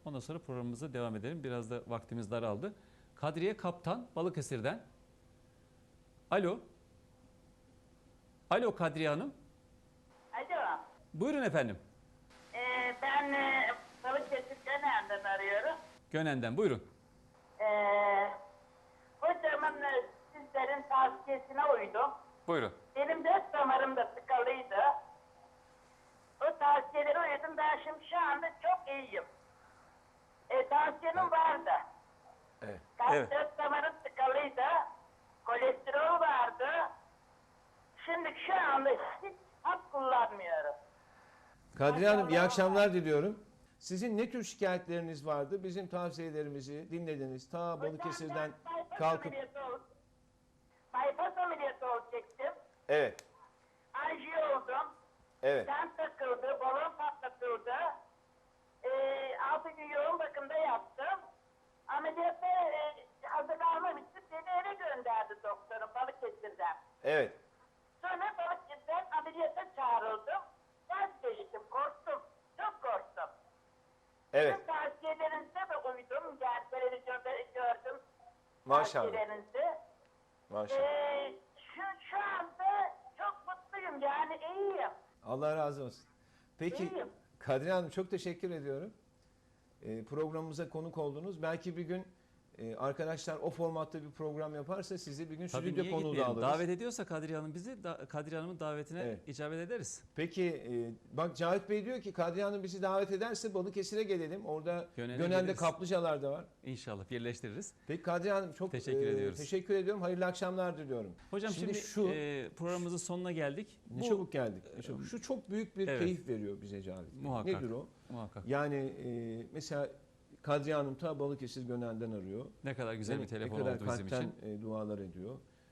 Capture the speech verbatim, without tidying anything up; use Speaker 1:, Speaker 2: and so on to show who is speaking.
Speaker 1: Ondan sonra programımıza devam edelim. Biraz da vaktimiz daraldı. Kadriye Kaptan Balıkesir'den. Alo. Alo Kadriye Hanım.
Speaker 2: Alo.
Speaker 1: Buyurun efendim.
Speaker 2: Ee, ben e, Balıkesir Gönen'den arıyorum.
Speaker 1: Gönen'den buyurun.
Speaker 2: Ee, hocamın e, sizlerin tavsiyesine uydum.
Speaker 1: Buyurun.
Speaker 2: Benim dört damarım da tıkalıydı. O tavsiyelere uydum. Ben şimdi şu anda çok iyiyim. E, tansiyenim vardı.
Speaker 3: Evet.
Speaker 2: Kalp
Speaker 1: Evet.
Speaker 2: dört damarım tıkalıydı. Kolesterol vardı. Şimdi şu anda hiç hap kullanmıyorum.
Speaker 3: Kadriye Hanım iyi akşamlar diliyorum. Sizin ne tür şikayetleriniz vardı? Bizim tavsiyelerimizi dinlediniz. Ta Balıkesir'den
Speaker 2: Hocam, ben bypass
Speaker 3: kalkıp...
Speaker 2: ameliyatı ol- Bypass ameliyatı olacaktım.
Speaker 3: Evet,
Speaker 2: Anjiyo oldum.
Speaker 3: evet,
Speaker 2: Sen takıldı, balon patlatıldı. Ee, altı gün yoğun bakımda yattım. Ameliyatta e, hazırlanmam için beni eve gönderdi doktorum Balıkesir'den.
Speaker 3: evet.
Speaker 2: Sonra Balıkesir'den ameliyata çağrıldım. Vazgeçtim, korktum. Çok korktum.
Speaker 3: Evet,
Speaker 2: Sizin tavsiyelerinize de uydum. Yani televizyonda gördüm
Speaker 3: maşallah.
Speaker 2: tavsiyelerinizi.
Speaker 3: Maşallah.
Speaker 2: Ee, şu, şu anda çok mutluyum yani iyiyim.
Speaker 3: Allah razı olsun. Peki
Speaker 2: İyiyim.
Speaker 3: Kadriye Hanım çok teşekkür ediyorum. Ee, programımıza konuk oldunuz. Belki bir gün e, arkadaşlar o formatta bir program yaparsa sizi bir gün
Speaker 1: Tabii
Speaker 3: stüdyo
Speaker 1: niye
Speaker 3: konuğu da
Speaker 1: gitmeyelim?
Speaker 3: alırız.
Speaker 1: Davet ediyorsa Kadriye Hanım bizi, da, Kadriye Hanım'ın davetine
Speaker 3: Evet.
Speaker 1: icabet ederiz.
Speaker 3: Peki e, bak Cahit Bey diyor ki Kadriye Hanım bizi davet ederse Balıkesir'e gelelim. Orada
Speaker 1: Gönen'e
Speaker 3: Gönen'de
Speaker 1: geliriz.
Speaker 3: kaplıcalar da var.
Speaker 1: İnşallah birleştiririz.
Speaker 3: Peki Kadriye Hanım çok
Speaker 1: Teşekkür
Speaker 3: e,
Speaker 1: ediyoruz.
Speaker 3: teşekkür ediyorum. Hayırlı akşamlar diliyorum.
Speaker 1: Hocam şimdi,
Speaker 3: şu
Speaker 1: e, programımızın sonuna geldik.
Speaker 3: ne
Speaker 1: Bu-
Speaker 3: çabuk geldik. ne çabuk. Şu çok büyük bir
Speaker 1: Evet.
Speaker 3: keyif veriyor bize Cahit Bey.
Speaker 1: Muhakkak.
Speaker 3: Nedir o?
Speaker 1: Muhakkak.
Speaker 3: Yani e, mesela Kadriye Hanım ta Balıkesir Gönen'den arıyor.
Speaker 1: Ne kadar güzel
Speaker 3: Ne-
Speaker 1: bir telefon
Speaker 3: ne kadar
Speaker 1: oldu bizim
Speaker 3: kalpten
Speaker 1: için.
Speaker 3: e, dualar ediyor.